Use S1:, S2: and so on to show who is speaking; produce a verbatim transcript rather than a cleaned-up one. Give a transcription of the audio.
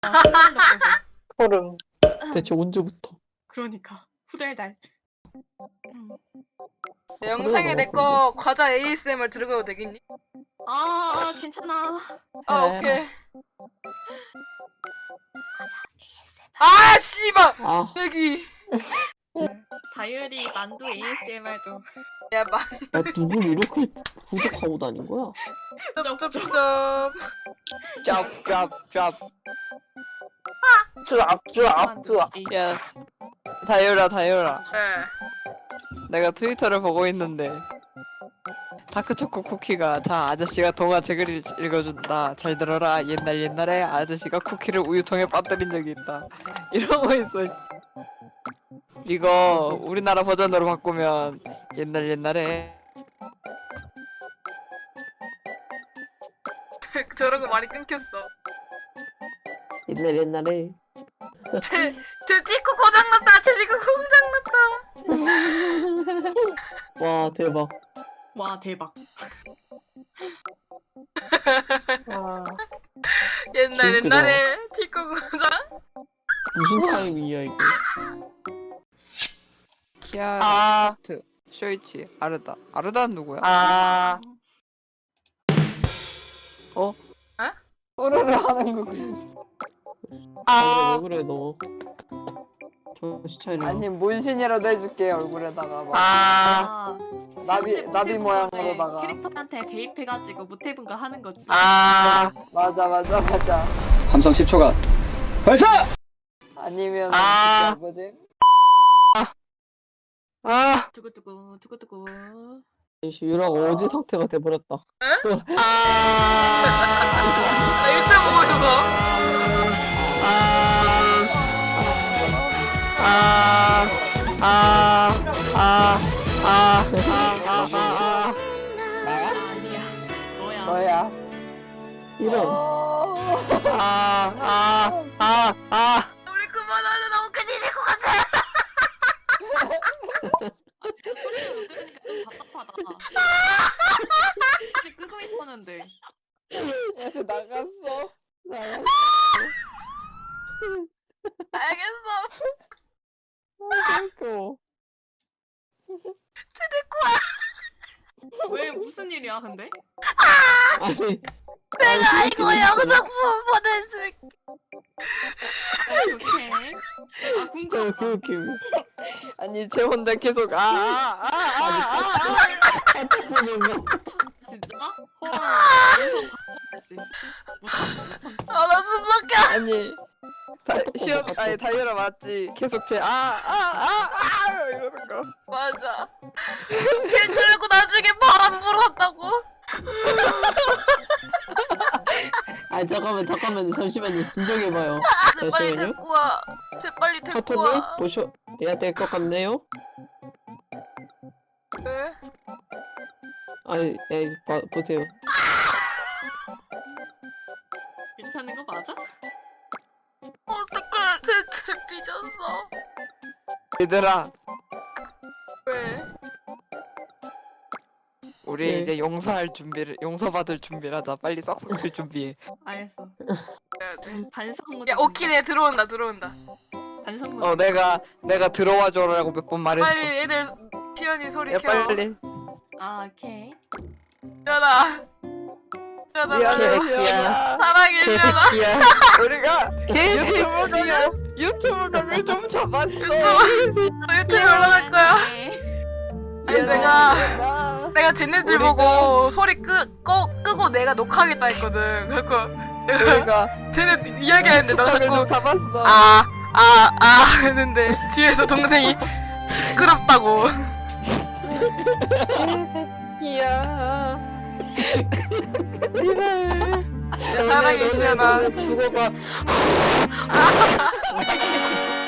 S1: 아, 소름 돋아서.
S2: 소름. 대체 언제부터?
S1: 그러니까 후달달. 음.
S3: 영상에 내 거 과자 에이에스엠알 들어가도 되겠니?
S1: 아 괜찮아.
S3: 아
S2: 그래.
S3: 오케이. 아 씨발
S2: 아,
S3: 여기.
S1: 다이어리 만두 에이에스엠알도.
S3: 야 마.
S2: 야, 누굴 이렇게 부족하고 다닌 거야?
S3: 쩝쩝쩝.
S4: 짭짭짭.
S2: 쭈압, 쭈압, 쭈압.
S4: 야, 다이오라 다이오라.
S3: 예.
S4: 내가 트위터를 보고 있는데 다크초코 쿠키가 자 아저씨가 동화 책을 읽, 읽어준다. 잘 들어라. 옛날 옛날에 아저씨가 쿠키를 우유통에 빠뜨린 적이 있다. 이러고 있어. 이거 우리나라 버전으로 바꾸면 옛날 옛날에
S3: 저러고 말이 끊겼어.
S2: 옛날 옛날에
S3: 제, 제 찍고 고장났다. 제 찍고 고장났다.
S2: 와 대박.
S1: 와 대박.
S2: 와,
S3: 옛날
S2: 웃기다.
S3: 옛날에 찍고 고장.
S2: 무슨 타임이야 이게?
S4: 키아르
S5: 아,
S4: 쇼이치 아르다. 아르다는 누구야?
S5: 아,
S4: 소르를 하는 거.
S5: 아,
S2: 왜 그래 너? 정신 차려.
S4: 아니 문신이라도 해줄게 얼굴에다가 막.
S5: 아,
S1: 아,
S4: 나비
S1: 현재
S4: 나비
S1: 못해본
S4: 모양으로다가.
S1: 건데 캐릭터한테 대입해가지고 못해본 거 하는 거지.
S5: 아,
S4: 맞아 맞아 맞아.
S6: 함성 십 초간 발사!
S4: 아니면
S5: 아.
S4: 진짜 뭐지?
S5: 아,
S1: 두구두구 두구두구.
S2: 유라가 어지 상태가 돼버렸다.
S5: 아,
S3: 나 유튜브 보고 있어서.
S5: 아, 아, 아, 아, 아, 아,
S1: 아니야. 너야.
S4: 너야.
S2: 이런.
S5: 아, 아, 아, 아,
S3: 우리 그만하자. 너무 끊이질 것 같아.
S1: 소리를 못 들으니까 좀 답답하다. 근데 끄고 있었는데.
S4: 야, 쟤 나갔어. 나갔어.
S3: 알겠어.
S2: 웃겨.
S3: 쟤내 거야.
S1: 왜 무슨 일이야 근데?
S2: 아니.
S3: 내가 이거 영상 보내줄게.
S1: 오케이. 아
S2: 진짜
S1: 궁금하다.
S2: 그 웃김.
S4: 아니 쟤 혼자 계속 아아아아아
S1: 진짜? 헐. 여기서 바꿔야지. 못참지.
S3: 아나 숨막혀.
S4: 아니 다 시험 아니 다이어라 맞지? 계속 쟤아아아아 이러는 거.
S3: 맞아. 걔 그리고 나중에 바람 불었다고.
S2: 아 잠깐만 잠깐만 잠시만요. 진정해봐요.
S3: 쟤 빨리
S2: 잠시만요.
S3: 데리고 와. 쟤 빨리 데리고
S2: 카톡을
S3: 와.
S2: 보셔야 될 것 같네요.
S3: 왜?
S2: 아니, 예, 봐, 보세요.
S1: 괜찮은 거 맞아?
S3: 어떡해. 쟤, 쟤 삐졌어.
S4: 얘들아
S3: 왜?
S4: 우리
S2: 네.
S4: 이제 용서할 준비를 용서받을 준비를 하자. 빨리 싹싹 준비해.
S1: 알겠어.
S3: 해야 돼.
S1: 반성 모드.
S3: 야 오키네 들어온다 들어온다.
S1: 반성 모드.
S4: 어 내가 내가 들어와 줘라고 몇 번 말했어.
S3: 빨리 애들 시연이 소리
S4: 야
S3: 켜.
S4: 빨리.
S1: 아 오케이.
S3: 시연아. 시연아
S4: 미안해
S3: 빨리 와.
S4: 키야.
S3: 사랑해 시연아.
S5: 개새끼야.
S4: 우리가 유튜브 강을 유튜브 강을 좀 잡았어.
S3: 유튜브 너 유튜브 올라갈 거야.
S1: 네.
S3: 아니 내가 내가 쟤네들 보고 소리 끄, 꺼, 끄고 내가 녹화하겠다 했거든. 그래서 내가
S4: 우리가
S3: 쟤네 이야기하는데 너가
S4: 강을 좀
S3: 자꾸
S4: 잡았어.
S3: 아, 아, 아 했는데 뒤에서 동생이 시끄럽다고.
S4: 키야.
S3: 사랑해 시연아.
S4: 죽어봐.